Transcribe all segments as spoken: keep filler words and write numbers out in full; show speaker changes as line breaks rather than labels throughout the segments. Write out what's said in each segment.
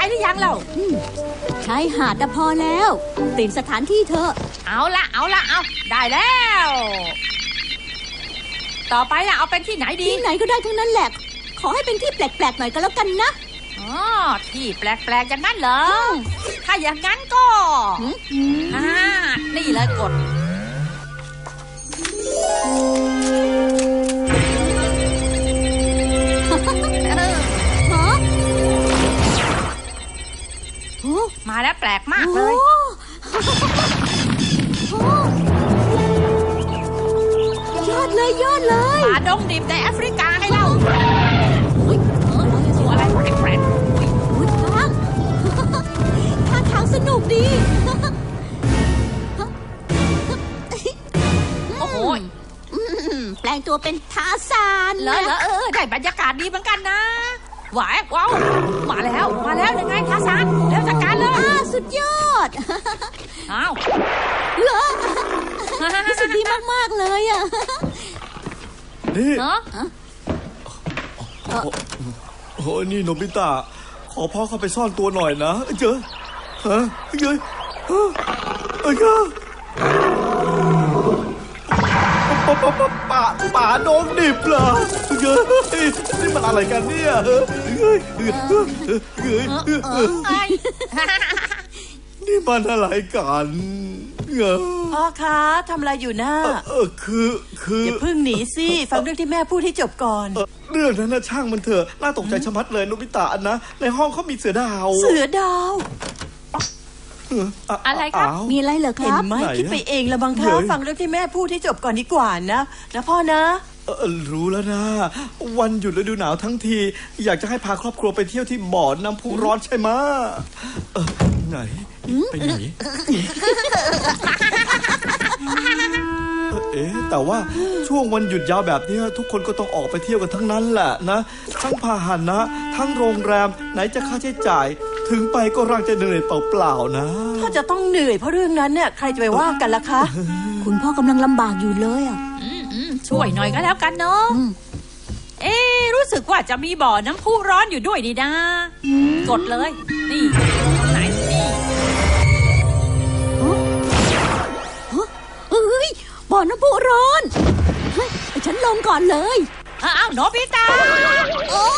หรือยังเรา
ชายหาดแต่พอแล้วเปลี่ยนสถานที่เถอะ
เอาละเอาละเอาได้แล้วต่อไปล่ะเอาเป็นที่ไหนดี
ที่ไหนก็ได้ทั้งนั้นแหละขอให้เป็นที่แปลกๆหน่อยก็แล้วกันนะ
อ๋อที่แปลกๆอย่างนั้นเหรอถ้าอย่างนั้นก็อ่านี่เลยกดมาแล้วแปลกมากเลย
ยอดเลยยอดเลย
ป่าดงดิบในแอฟริกาให้เราตัวอะไรแปลก
ๆทางท่าทางสนุกดี
โอ้โห
แปลงตัวเป็นทาซาน
เลยเหรอเออได้บรรยากาศดีเหมือนกันนะหวายว้าวมาแล้วมาแล้วยังไงทาซานแล้วจัดการเลย
สุดยอด
อ้าว
เหรอรู้สึกดีมากๆเลยอ่ะ
นี่โอ้นี่โนบิตะขอพ่อเข้าไปซ่อนตัวหน่อยนะเจอฮะเจอเฮ้ยเจอป่าป่าป่าโดนดิบเหรอเฮ้ยนี่มันอะไรกันเนี่ยเฮ้ยเฮ้ยเฮ้ยเฮ้ยนี่มันอะไรกัน
พ่อคะทำอะไรอยู่น่ะ
เออคือคือ
อย่าเพิ่งหนีสิฟังเรื่องที่แม่พูดให้จบก่อน
เรื่องนั้นนะช่างมันเถอะน่าตกใจชะมัดเลยโนบิตะนะในห้องเขามีเสือดาว
เสือดาว
อะไรครับ
มีอะไรเหรอครับ
เห็นไหมคิดไปเองละบางครั้งฟังเรื่องที่แม่พูดให้จบก่อนดีกว่านะนะพ่อนะ
เออรู้แล้วนะวันหยุดฤดูหนาวทั้งทีอยากจะให้พาครอบครัวไปเที่ยวที่บ่อน้ำพุร้อนใช่ไหมเออไหนไปไหนเอ๊ะแต่ว่าช่วงวันหยุดยาวแบบนี้ทุกคนก็ต้องออกไปเที่ยวกันทั้งนั้นแหละนะทั้งพาหนะทั้งโรงแรมไหนจะค่าใช้จ่ายถึงไปก็ร่างจะเหนื่อยเปล่าๆนะ
ถ้าจะต้องเหนื่อยเพราะเรื่องนั้นเนี่ยใครจะไปว่ากันล่ะคะ
คุณพ่อกำลังลำบากอยู่เลยอ่ะ
ช่วยหน่อยก็แล้วกันเนาะเอ๊รู้สึกว่าจะมีบ่อน้ำพุร้อนอยู่ด้วยดีนะกดเลยนี่ไหนนี่
เฮ้ยบ่อน้ำพุร้อนเฮ้ยฉันลงก่อนเลย
อ้าวโนบิตะโอ้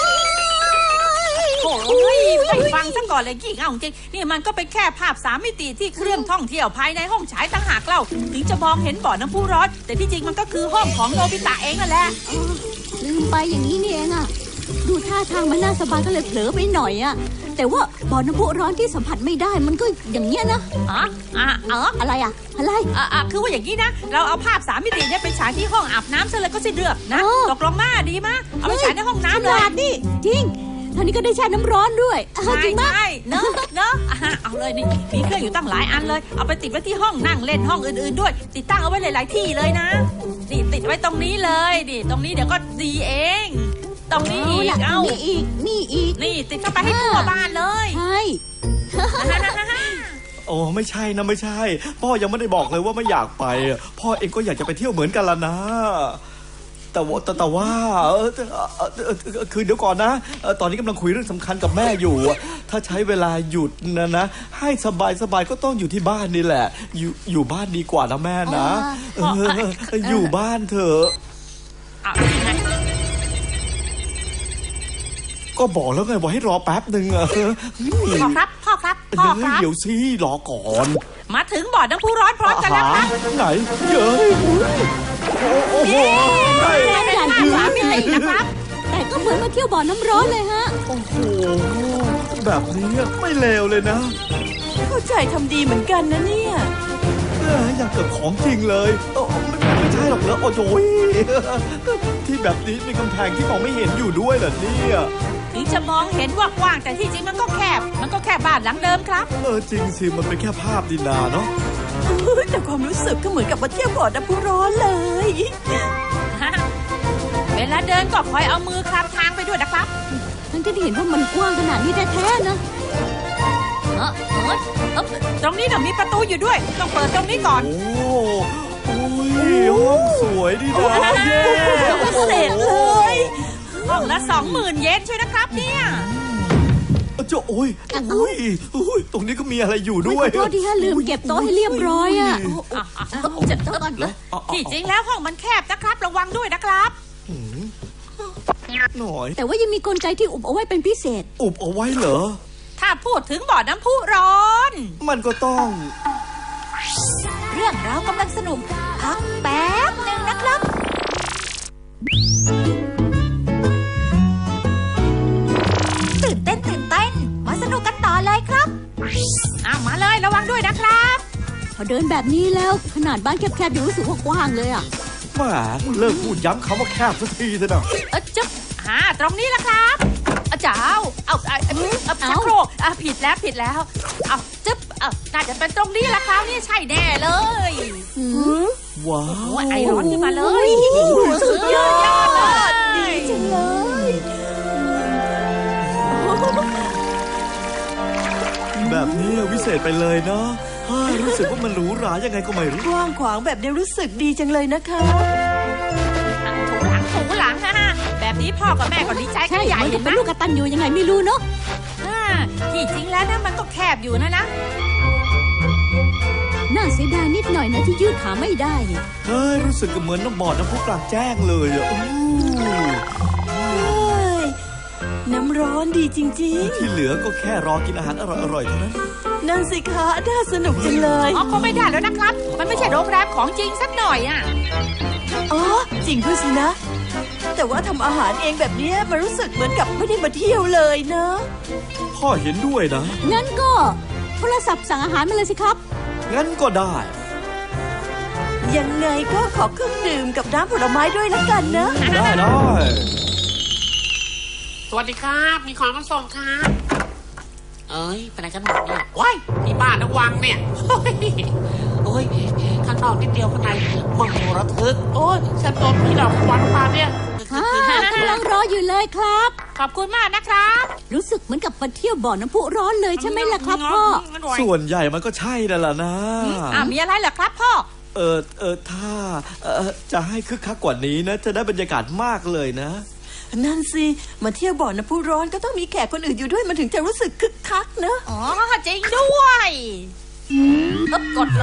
ยไม่ฟังซะก่อนเลยกี่เอาจริงนี่มันก็เป็นแค่ภาพสามมิติที่เครื่องท่องเที่ยวภายในห้องฉายต่างหากเล่าถึงจะมองเห็นบ่อน้ำพุร้อนแต่ที่จริงมันก็คือห้องของโนบิตะเองนั่นแหละ
ลืมไปอย่างนี้นี่เองอ่ะดูท่าทางมันน่าสบายก็เลยเผลอไปหน่อยอ่ะแต่ว่าบ่อน้ำพุร้อนที่สัมผัสไม่ได้มันก็อย่างเงี้ยนะ
อ๋ออ๋ออ๋อ
อะไรอ่ะอะไร
อ่ะอ่ะคือว่าอย่างนี้นะเราเอาภาพสามมิติเนี่ยไปฉายที่ห้องอาบน้ำซะเลยก็สิ้นเรื่องนะตกลงมาดีมะเอาไปฉายในห้องน้ำเลย
นี่จริงท่านี้ก็ได้แช่น้ำร้อนด้วย
จริงไหมเนอะเนอะเอาเลยนี่มีเครื่องอยู่ตั้งหลายอันเลยเอาไปติดไว้ที่ห้องนั่งเล่นห้องอื่นๆด้วยติดตั้งเอาไว้หลายๆที่เลยนะนี่ติดไว้ตรงนี้เลยนี่ตรงนี้เดี๋ยวก็ดีเองตรงนี้อีกเอา
นี่อีกนี่อีก
นี่ติดเข้าไปให้ทั่วบ้านเลย
ใช่
โอ้ไม่ใช่นะไม่ใช่พ่อยังไม่ได้บอกเลยว่าไม่อยากไปพ่อเองก็อยากจะไปเที่ยวเหมือนกันละนะแต่ว่าแต่ว่าคือเดี๋ยวก่อนนะตอนนี้กำลังคุยเรื่องสำคัญกับแม่อยู่ถ้าใช้เวลาหยุดนะนะให้สบายสบายก็ต้องอยู่ที่บ้านนี่แหละอยู่อยู่บ้านดีกว่านะแม่นะอยู่บ้านเถอะก็บอกแล้วไงว่าให้รอแป๊บหนึ่งอะ
พ่อครับพ่อครับพ่อครับ
เดี๋ยวสิรอก่อน
มาถึงบ่อน้ำพุร้อนพร้อมกันแล้วครับ
ไหนเยอะโอ้โห
ได้ได้สามมิตินะครับ
แต่ก็เหมือนมาเที่ยวบ่อน้ำร้อนเลยฮะ
โอ้โหแบบนี้ไม่เลวเลยนะ
เข้าใจทำดีเหมือนกันนะเนี่ย
อยากเกิดของจริงเลยไม่ใช่หรอกเหรอโอ้โหที่แบบนี้มีกำแพงที่มองไม่เห็นอยู่ด้วยเหรอเนี่ย
ถึงจะมองเห็นว่ากว้างแต่ที่จริงมันก็แคบมันก็แค่บ้านหลังเดิมครับ
เออจริงสิมันเป็นแค่ภาพดินนาเนาะ
แต่ความรู้สึกก็เหมือนกับมาเที่ยวบ่อน้ำพุร้อนเลย
เวลาเดินก็คอยเอามือคลำทางไปด้วยนะครับ
ทั้งที่เห็นว่ามันกว้างขนาดนี้แท้ๆนะ
เออเออตรงนี้น่ะมีประตูอยู่ด้วยต้องเปิดตรงนี้ก่อน
โอ้โอ้ยห้องสวยดีนะเย้
เสร็จเลย
ห้องละสองหมื่นเยนช่วยนะครับเนี่ย
เจ้าโอ้ยโอ้ยโอ้ยตรงนี้ก็มีอะไรอยู่ด้วย
ขอโทษที่ฮะลืมเก็บโต๊ะให้เรียบร้อยอ่ะ
อ่ะอ่ะ
จัดโต๊ะก่อน
แล้วเอาเอา
ที่จริงแล้วห้องมันแคบนะครับ ระวังด้วยนะครับ
หน่อย
แต่ว่ายังมีกลไกที่อุบเอาไว้เป็นพิเศษ
อุบเอาไว้เหรอ
ถ้าพูดถึงบ่อน้ำพุร้อน
มันก็ต้อง
เรื่องราวกำลังสนุก พักแป๊บหนึ่งนะครับ ตื่นเต้นตื่นเต้น มาสนุกกันต่อเลยครับอ้าวมาเลยระวังด้วยนะครับ
พอเดินแบบนี้แล้วขนาดบ้านแคบๆยังรู้สึกว่ากว้างเลยอ่ะ
แหมเลิกพูดย้ำคำว่าแคบสักทีเถอะนะ
เออจ๊บอ่าตรงนี้ละครับอาจารย์เอาเอาเอาเอาชักโครกอ่ะผิดแล้วผิดแล้ว เอาจึ๊บเอาน่าจะเป็นตรงนี้ละครับนี่ใช่แน่เลย
ว้า
โอ้
วย
ไอร้อนขึ้นมาเลย
สุดยอด
เลย
ดีจังเลย
แบบนี้วิเศษไปเลยเนาะเฮ้ยรู้สึกว่ามันหรูหรายังไงก็ไม่รู้
กว้างขวางแบบนี้รู้สึกดีจังเลยนะคะ
ถูหลังถูหลังฮะแบบนี้พ่อกับแม่ก็ดีใจกั
ใช่
นใหญ่
มัน
เห็
จะ
นไหม
เป็นลูกกระตันอยู่ยังไงไม่รู้เนาะ
อ่าที่จริงแล้วนะมันก็แคบอยู่นะนะ
น่าเสียดายนิดหน่อยนะที่ยืดขาไม่ได้เนี่ย
เฮ้ยรู้สึกเหมือนน้ำบ่อน้ำพุกลางแจ้งเลยอ่ะอู้
เฮ้ย น้ำร้อนดีจริง
ที่เหลือก็แค่รอกินอาหารอร่อยๆเท่านั้น
ๆ นั่นสิคะน่าสนุกจังเลย
อ๋อคงไม่ได้แล้วนะครับ มันไม่ใช่โรงแรมของจริงสักหน่อยอ่ะ
อ๋อ จริงด้วยสินะ แต่ว่าทำอาหารเองแบบเนี้ยมันรู้สึกเหมือนกับไม่ได้มาเที่ยวเลยเนอะ
พ่อเห็นด้วยนะ
งั้นก็โทรศัพท์สั่งอาหารมาเลยสิครับ
งั้นก็ได้
ยังไงก็ขอเครื่องดื่มกับน้ำผลไม้ด้วยละกันนะ
ได้ได้
สวัสดีครับ มีของมาส่งครับ เอ้ยเป็นอะไรกันหมดเนี่ยว้ายที่บ้านระวังเนี่ยเฮ้ยโอ้ยข้างนอกนิดเดียวข้างในมันระทึก โอ้ยฉันโดนผีหลอกวันมาเนี่ย
ค่ะกำลังรออยู่เลยครับ
ขอบคุณมากนะครับ
รู้สึกเหมือนกับมาเที่ยวบ่อน้ำพุร้อนเลยใช่ไหมล่ะครับพ่อ
ส่วนใหญ่มันก็ใช่นั่นแหละนะ
อ่ามีอะไรเหรอครับพ่อ
เออเออถ้าเออจะให้คึกคักกว่านี้นะ จะได้บรรยากาศมากเลยนะ
นั่นสิ มาเที่ยวบ่อน้ำพุร้อนก็ต้องมีแขกคนอื่นอยู่ด้วยมันถึงจะรู้สึกคึกคักเนอะ
อ๋อจริงด้วยอึ๊บกดเลย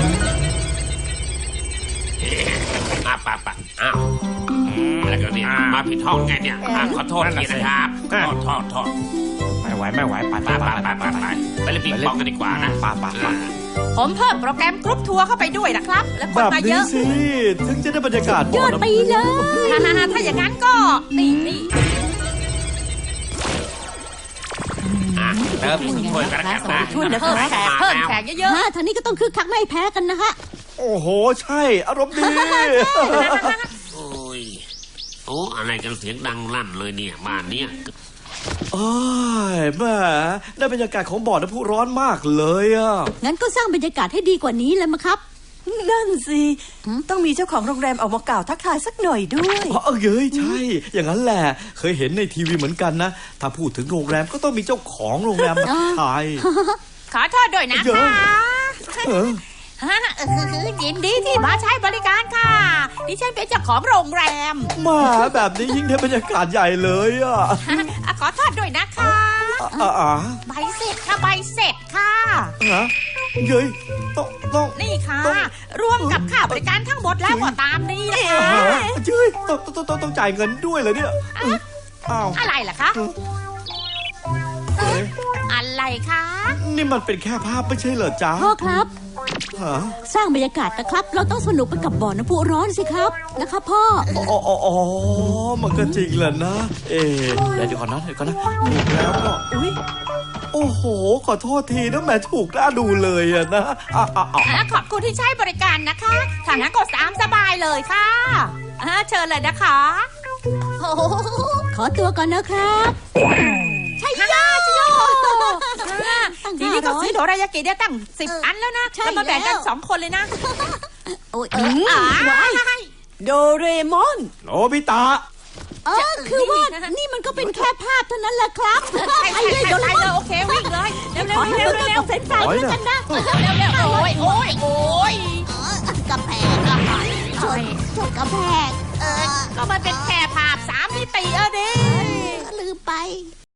มาปะปะอ้าวอืมแล้วก็เนี่ยมาผิดห้องไงเนี่ยอ่ะขอโทษทีนะครับโทษโทษโทษ
ไม่ไหวไม่ไหวไป
ไป
ไป
ไป
ไป
ไปไปไปไปเล่นปิงปองกันดีกว่านะ
ไปไปไป
ผมเพิ่มโปรแกรมกรุ๊ปทัวร์เข้าไปด้วยนะครับ แล้วคน
แบบ
มาเย
นี้
อะ
สิ ถึงจะได้บรรยากาศ
ย
บ่อ
อด
น้ำ
ไป
พุ
เลย
ฮ่าฮ่าฮ่าถ้าอย่างนั้นก็ นี่นี่
อ่ะเติมอีกถ้วยกันแล้วกันนะ
ช่วยนะ
เพิ่มแขกเพิ่มแขกเยอะ
ฮะทางนี้ก็ต้องคึกคักไม่แพ้กันนะฮะ
โอ้โห ใช่ อารมณ์ดี
โอ้ยโอ้อะไรกันเสียงดังลั่นเลยเนี่ยบ้านเนี่ย
โอ้ยแหม่ได้บรรยากาศของบ่อน้ำพุร้อนมากเลยอ่ะ
งั้นก็สร้างบรรยากาศให้ดีกว่านี้เลยมั้งครับ
นั่นสิ
หืม
ต้องมีเจ้าของโรงแรมออกมากล่าวทักทายสักหน่อยด้วย
อ๋อเย้ยใช่ อย่างนั้นแหละ เคยเห็นในทีวีเหมือนกันนะ ถ้าพูดถึงโรงแรมก็ต้องมีเจ้าของโรงแรมมาทาย
ๆ ขอโทษด้วยนะ
เย
คะ
อะ เออ
ฮ่าเออยินดีที่มาใช้บริการค่ะ ดิฉันเป็นเจ้าของโรงแรม
มาแบบนี้ยิ่งได้บรรยากาศใหญ่เลยอ่ะ
อ่ะขอโทษด้วยนะคะ
อ่าอ่า
ใบเสร็จค่ะใบเสร็จค่ะ
ฮะเย้ยต้องต้อง
นี่ค่ะ
ต้อง
รวมกับค่าบริการทั้งหมดแล้วก็ตามนี้นะคะ
ฮะเย้ยต้องต้องต้องต้องจ่ายเงินด้วยเหรอเนี่ยอ้าว
อะไรล่ะคะ
เอ๊ะ
อะไรคะ
นี่มันเป็นแค่ภาพไม่ใช่เหรอจ๊ะ
พ่อครับ
ฮะ
สร้างบรรยากาศนะครับ เราต้องสนุกไปกับบ่อน้ำพุร้อนสิครับนะครับพ่อ
อ๋ออ๋ออ๋อมันก็จริงแหละนะ เอ๊ะเดี๋ยวเดี๋ยวก่อนนะเดี๋ยวก่อนนะถูกแล้วก็อุ้ยโอ้โห ขอโทษทีนะแหม่ถูกน่าดูเลยอะนะอ่ะอ่ะอ่ะ
อ่ะขอบคุณที่ใช้บริการนะคะถ้างั้นก็ตามสบายเลยค่ะอ่ะเชิญเลยนะคะโอ้โห
ขอตัวก่อนนะครับ
ใช่ย่าชิโยอ่ะทีนี้ก็ซื้อโดรายากิได้ตั้งสิบอันแล้วนะ
ใช่
แล้วมาแบ่งกัน
แล้ว
สองคนเลยนะ
โอ้ย
อ่า
โดเรมอน
โนบิตะ
เออคือว่านี่มันก็เป็นแค่ภาพเท่านั้นแหละครับ
ใช่
ไป
ใช่
เลย
ใช่
เดี๋ยว
ใช่
เรา
เลยโอเควิ่งเลยเร็วเร็
ข
ว
อให้
เร็ว
เบอร์เกอ
เร็
ร์
ว
กับเฟรนช์ฟรายด้วยกันนะ
เร็วเร็วโอ้ยโอ้ยโอ้ย
กระแพงชนชนกระแพง
ก็มันเป็นแค่ภาพสามมิติอะดิ
ลืมไป